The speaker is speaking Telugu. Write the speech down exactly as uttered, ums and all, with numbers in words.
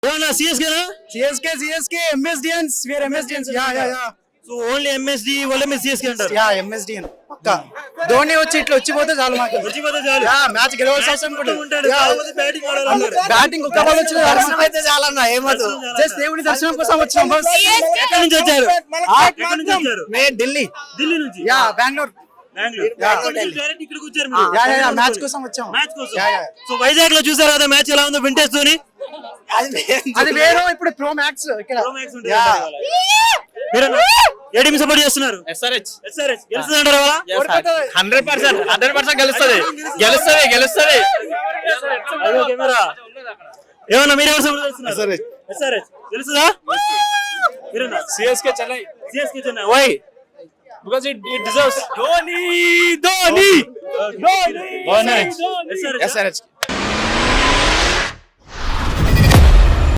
ఏమన్నా CSK CSK CSK MSDians where MSDians yeah yeah yeah so only MSD వల్ల మీరు సిఎస్కే అంటారు. యా ఎంఎస్డియన్ పక్కా. ధోని వచ్చి ఇట్లా వచ్చిపోతే చాలు మాకు. వచ్చిపోతే చాలు. యా మ్యాచ్ గెలవాల్సిన అవసరం కూడా ఉంటాడు. కాకపోతే బ్యాటింగ్ ఆడాలన్నారు. బ్యాటింగ్ ఒక్క బాల్ వచ్చిన దర్శనం అయితే చాలన్న ఏమదు. జస్ట్ దేవుడి దర్శనం కోసం వచ్చాం బస్. ఎక్కడి నుంచి వచ్చారు? ఎక్కడి నుంచి వచ్చారు? మే ఢిల్లీ. ఢిల్లీ నుంచి. యా బెంగళూరు. బెంగళూరు. డైరెక్ట్ ఇక్కడికి వచ్చారు మీరు. యా యా మ్యాచ్ కోసం వచ్చాం. మ్యాచ్ కోసం. Yeah yeah. సో వైజాగ్ లో చూసారు కదా మ్యాచ్ ఎలా ఉందో వింటేజ్ తోని. అది వేరు ఇప్పుడు ప్రో మ్యాక్స్ ఇక్కడ. ప్రో మ్యాక్స్ ఉంటుంది. మీరు ఏ టీం సపోర్ట్ చేస్తున్నారు? ఎస్ఆర్హెచ్ ఎస్ఆర్హెచ్ గెలుస్తుంది అంటారా? హండ్రెడ్ పర్సెంట్ హండ్రెడ్ పర్సెంట్ గెలుస్తుంది గెలుస్తుంది గెలుస్తుంది అయ్యో కెమెరా. ఏమన్నా మీరు ఎవరు సపోర్ట్ చేస్తున్నారు? ఎస్ఆర్హెచ్ ఎస్ఆర్హెచ్ గెలుస్తుందా? మీరేనా? CSK Chennai CSK Chennai. Why? Because it it deserves Dhoni Dhoni Dhoni SRH. SRH